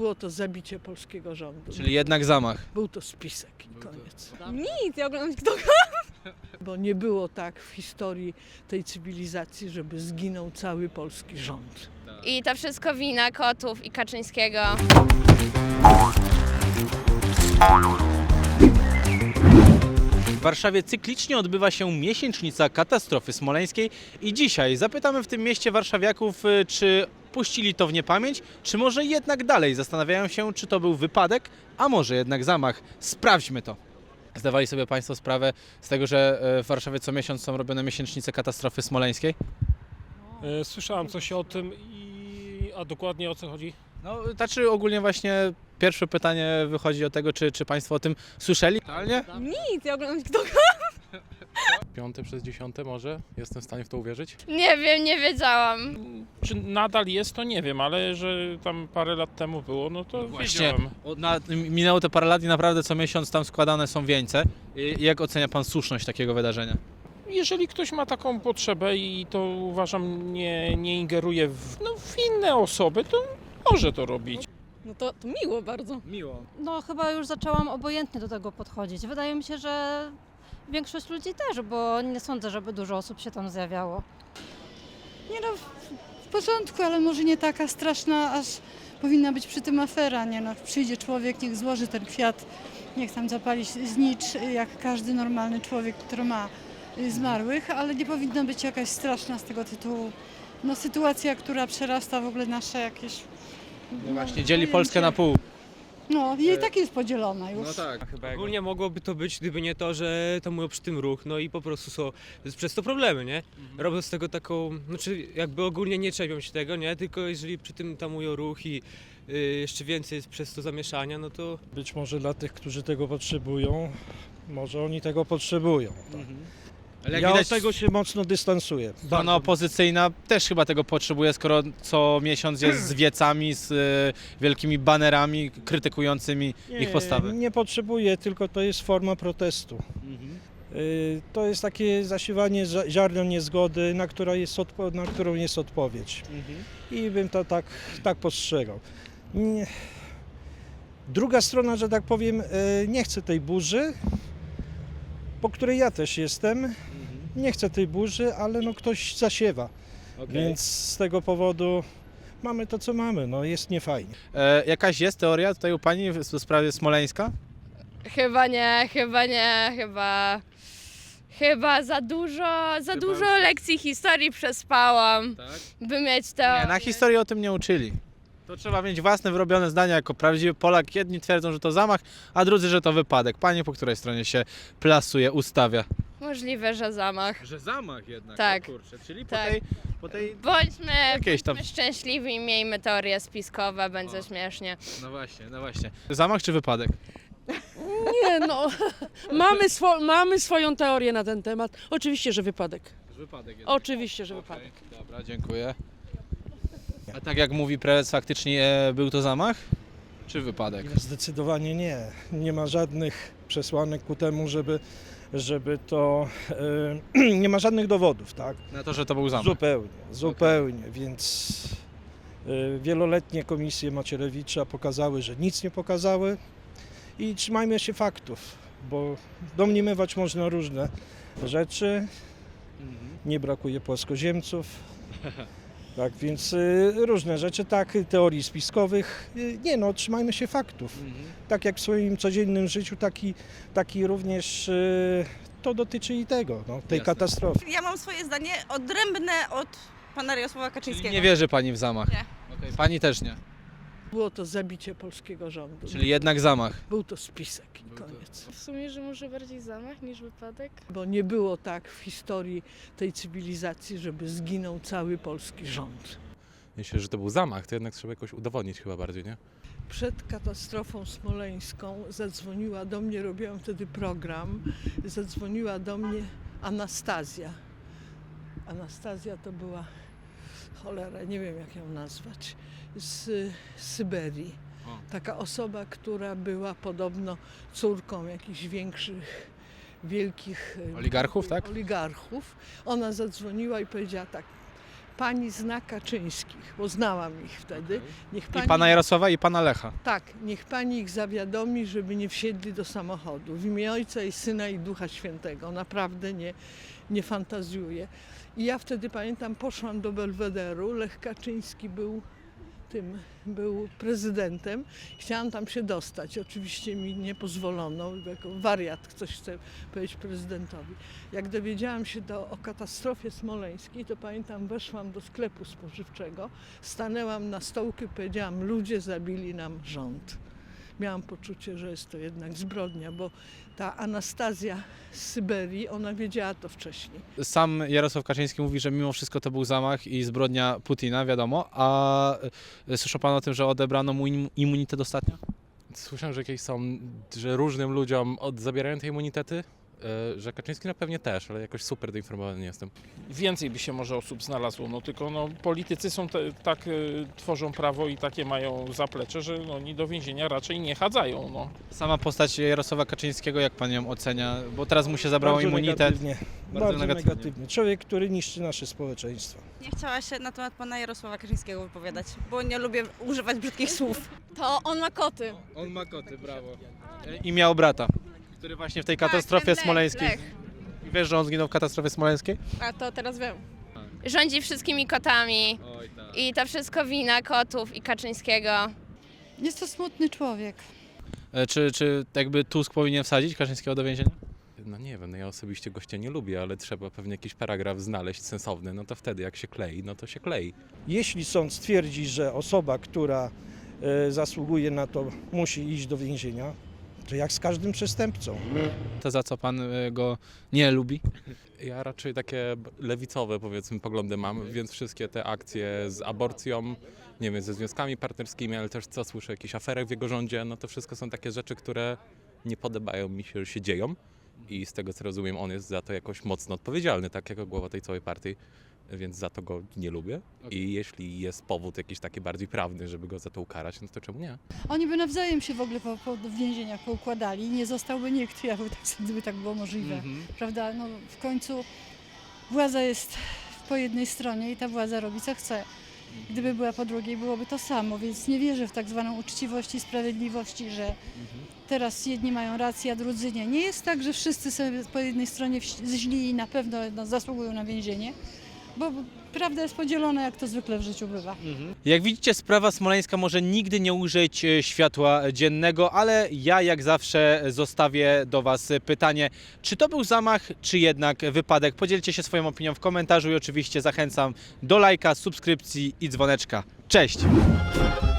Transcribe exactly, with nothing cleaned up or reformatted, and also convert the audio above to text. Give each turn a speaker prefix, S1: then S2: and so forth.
S1: było to zabicie polskiego rządu.
S2: Czyli jednak zamach.
S1: Był to spisek i koniec.
S3: Nic, ja oglądam TikToka.
S1: Bo nie było tak w historii tej cywilizacji, żeby zginął cały polski rząd.
S3: I to wszystko wina kotów i Kaczyńskiego.
S2: W Warszawie cyklicznie odbywa się miesięcznica katastrofy smoleńskiej i dzisiaj zapytamy w tym mieście warszawiaków, y, czy puścili to w niepamięć, czy może jednak dalej zastanawiają się, czy to był wypadek, a może jednak zamach. Sprawdźmy to. Zdawali sobie Państwo sprawę z tego, że y, w Warszawie co miesiąc są robione miesięcznice katastrofy smoleńskiej?
S4: E, Słyszałem coś o tym, i a dokładnie o co chodzi?
S2: No, znaczy ogólnie właśnie pierwsze pytanie wychodzi od tego, czy, czy Państwo o tym słyszeli? Realnie?
S3: Nic, ja oglądam TikToka.
S5: Piąte przez dziesiąte może? Jestem w stanie w to uwierzyć?
S3: Nie wiem, nie wiedziałam.
S4: Czy nadal jest, to nie wiem, ale że tam parę lat temu było, no to
S2: Właśnie,
S4: wiedziałem.
S2: od- na, minęło te parę lat i naprawdę co miesiąc tam składane są wieńce. I jak ocenia Pan słuszność takiego wydarzenia?
S4: Jeżeli ktoś ma taką potrzebę i to uważam nie, nie ingeruje w, no, w inne osoby, to może to robić.
S6: No to, to miło bardzo.
S2: Miło.
S7: No chyba już zaczęłam obojętnie do tego podchodzić. Wydaje mi się, że większość ludzi też, bo nie sądzę, żeby dużo osób się tam zjawiało.
S8: Nie no, w porządku, ale może nie taka straszna, aż powinna być przy tym afera, nie no. Przyjdzie człowiek, niech złoży ten kwiat, niech tam zapali znicz, jak każdy normalny człowiek, który ma y, zmarłych, ale nie powinno być jakaś straszna z tego tytułu, no sytuacja, która przerasta w ogóle nasze jakieś...
S2: No właśnie, dzieli
S8: pojęcie.
S2: Polskę na pół.
S8: No, i tak jest podzielona już.
S2: No tak.
S9: Ogólnie mogłoby to być, gdyby nie to, że tamują przy tym ruch, no i po prostu są przez to problemy, nie? Robią z tego taką, znaczy jakby ogólnie nie czepią się tego, nie? Tylko jeżeli przy tym tamują ruch i y, jeszcze więcej jest przez to zamieszania, no to...
S10: Być może dla tych, którzy tego potrzebują, może oni tego potrzebują.
S2: Ale jak
S10: Ja
S2: widać,
S10: od tego się mocno dystansuję.
S2: strona
S10: Bardzo.
S2: opozycyjna też chyba tego potrzebuje, skoro co miesiąc jest z wiecami, z y, wielkimi banerami krytykującymi ich postawę.
S10: Nie potrzebuję, tylko to jest forma protestu. Y, To jest takie zasiewanie za- ziarnem niezgody, na, która jest odpo- na którą jest odpowiedź. I bym to tak, tak postrzegał. Nie. Druga strona, że tak powiem, y, nie chce tej burzy, po której ja też jestem. Nie chcę tej burzy, ale no ktoś zasiewa. Więc z tego powodu mamy to, co mamy. No jest niefajnie.
S2: E, jakaś jest teoria tutaj u Pani w, w sprawie Smoleńska?
S3: Chyba nie, chyba nie, chyba... Chyba za dużo, za
S2: Chyba
S3: dużo
S2: już-
S3: lekcji historii przespałam,
S2: Tak.
S3: by mieć teorię.
S2: Nie, na historii o tym nie uczyli. To trzeba mieć własne wyrobione zdania jako prawdziwy Polak. Jedni twierdzą, że to zamach, a drudzy, że to wypadek. Pani po której stronie się plasuje, ustawia?
S3: Możliwe, że zamach.
S2: Że zamach jednak,
S3: Tak.
S2: o kurczę. Czyli
S3: Tak.
S2: po tej... Po tej...
S3: Bądźmy,
S2: Jakieś tam-
S3: bądźmy szczęśliwi i miejmy teorie spiskowe, będzie
S2: O.
S3: śmiesznie.
S2: No właśnie, no właśnie. Zamach czy wypadek?
S6: Nie no, mamy, swo, mamy swoją teorię na ten temat. Oczywiście, że wypadek.
S2: Wypadek jednak.
S6: Oczywiście, że wypadek.
S2: Okej, dobra, dziękuję. A tak jak mówi prezes, faktycznie e, był to zamach? Czy wypadek?
S10: Zdecydowanie nie. Nie ma żadnych przesłanek ku temu, żeby, żeby to... y, nie ma żadnych dowodów, tak?
S2: Na to, że to był zamach.
S10: Zupełnie, zupełnie. Więc y, wieloletnie komisje Macierewicza pokazały, że nic nie pokazały i trzymajmy się faktów, bo domniemywać można różne rzeczy, nie brakuje płaskoziemców. Tak, więc y, różne rzeczy, tak, teorii spiskowych. Y, nie no, trzymajmy się faktów. Tak jak w swoim codziennym życiu, taki, taki również y, to dotyczy i tego, no, tej
S2: Jasne.
S10: katastrofy.
S11: Ja mam swoje zdanie odrębne od pana Jarosława
S2: Czyli
S11: Kaczyńskiego.
S2: nie wierzy Pani w zamach?
S11: Nie.
S2: Okej, Pani też nie.
S1: Było to zabicie polskiego rządu.
S2: Czyli jednak zamach.
S1: Był to spisek i
S2: Był to-
S1: koniec.
S3: W sumie, że może bardziej zamach niż wypadek?
S1: Bo nie było tak w historii tej cywilizacji, żeby zginął cały polski rząd.
S5: Myślę, że to był zamach, to jednak trzeba jakoś udowodnić chyba bardziej, nie?
S1: Przed katastrofą smoleńską zadzwoniła do mnie, robiłam wtedy program, zadzwoniła do mnie Anastazja. Anastazja to była, cholera, nie wiem jak ją nazwać, z Syberii.
S2: O.
S1: Taka osoba, która była podobno córką jakichś większych, wielkich
S2: Oligarchów, tak?
S1: oligarchów. Ona zadzwoniła i powiedziała tak, pani zna Kaczyńskich, bo znałam ich wtedy. Niech
S2: I
S1: pani,
S2: pana Jarosława, i pana Lecha.
S1: Tak, niech pani ich zawiadomi, żeby nie wsiedli do samochodu. W imię Ojca i Syna i Ducha Świętego. Naprawdę nie, nie fantazjuję. I ja wtedy pamiętam, poszłam do Belwederu. Lech Kaczyński był tym, był prezydentem. Chciałam tam się dostać. Oczywiście mi nie pozwolono, jako wariat ktoś chce powiedzieć prezydentowi. Jak dowiedziałam się do, o katastrofie smoleńskiej, to pamiętam, weszłam do sklepu spożywczego, stanęłam na stołku i powiedziałam, ludzie zabili nam rząd. Miałam poczucie, że jest to jednak zbrodnia, bo ta Anastazja z Syberii, ona wiedziała to wcześniej.
S2: Sam Jarosław Kaczyński mówi, że mimo wszystko to był zamach i zbrodnia Putina, wiadomo. A y, słyszał pan o tym, że odebrano mu im- immunitet ostatnio?
S5: Słyszałem, że jakieś są, że różnym ludziom od, zabierają te immunitety, e, że Kaczyński na pewnie też, ale jakoś super doinformowany nie jestem.
S4: Więcej by się może osób znalazło, no tylko no, politycy są te, tak y, tworzą prawo i takie mają zaplecze, że no, oni do więzienia raczej nie chadzają. No.
S2: Sama postać Jarosława Kaczyńskiego, jak pan ją ocenia? Bo teraz mu się zabrało
S10: Bardzo
S2: immunitet.
S10: Negatywnie.
S2: Bardzo
S10: Bardzo,
S2: negatywnie.
S10: negatywnie. Człowiek, który niszczy nasze społeczeństwo.
S11: Nie chciała się na temat pana Jarosława Kaczyńskiego wypowiadać, bo nie lubię używać brzydkich słów.
S3: To on ma koty.
S2: On ma koty, brawo. I miał brata, który właśnie w tej katastrofie
S3: ten Lech,
S2: smoleńskiej.
S3: Lech.
S2: Wiesz, że on zginął w katastrofie smoleńskiej?
S3: A to teraz wiem. Rządzi wszystkimi kotami
S2: Oj, tak.
S3: i to wszystko wina kotów i Kaczyńskiego.
S8: Jest to smutny człowiek.
S2: E, Czy, czy jakby Tusk powinien wsadzić Kaczyńskiego do więzienia?
S5: No nie wiem, no ja osobiście gościa nie lubię, ale trzeba pewnie jakiś paragraf znaleźć sensowny, no to wtedy jak się klei, no to się klei.
S10: Jeśli sąd stwierdzi, że osoba, która e, zasługuje na to, musi iść do więzienia, to jak z każdym przestępcą.
S2: To za co pan e, go nie lubi?
S5: Ja raczej takie lewicowe, powiedzmy, poglądy mam, więc wszystkie te akcje z aborcją, nie wiem, ze związkami partnerskimi, ale też co słyszę, jakichś aferach w jego rządzie, no to wszystko są takie rzeczy, które nie podobają mi się, że się dzieją i z tego co rozumiem, on jest za to jakoś mocno odpowiedzialny, tak jako głowa tej całej partii, więc za to go nie lubię i jeśli jest powód jakiś taki bardziej prawny, żeby go za to ukarać, no to czemu nie?
S8: Oni by nawzajem się w ogóle po, po w więzieniach poukładali i nie zostałby nikt, jakby tak, gdyby tak było możliwe. Prawda? No, w końcu władza jest po jednej stronie i ta władza robi co chce. Gdyby była po drugiej, byłoby to samo, więc nie wierzę w tak zwaną uczciwość i sprawiedliwości, że teraz jedni mają rację, a drudzy nie. Nie jest tak, że wszyscy są po jednej stronie wś- źli i na pewno no, zasługują na więzienie, bo prawda jest podzielona, jak to zwykle w życiu bywa.
S2: Jak widzicie, sprawa smoleńska może nigdy nie ujrzeć e, światła dziennego, ale ja jak zawsze zostawię do was pytanie, czy to był zamach, czy jednak wypadek. Podzielcie się swoją opinią w komentarzu i oczywiście zachęcam do lajka, subskrypcji i dzwoneczka. Cześć!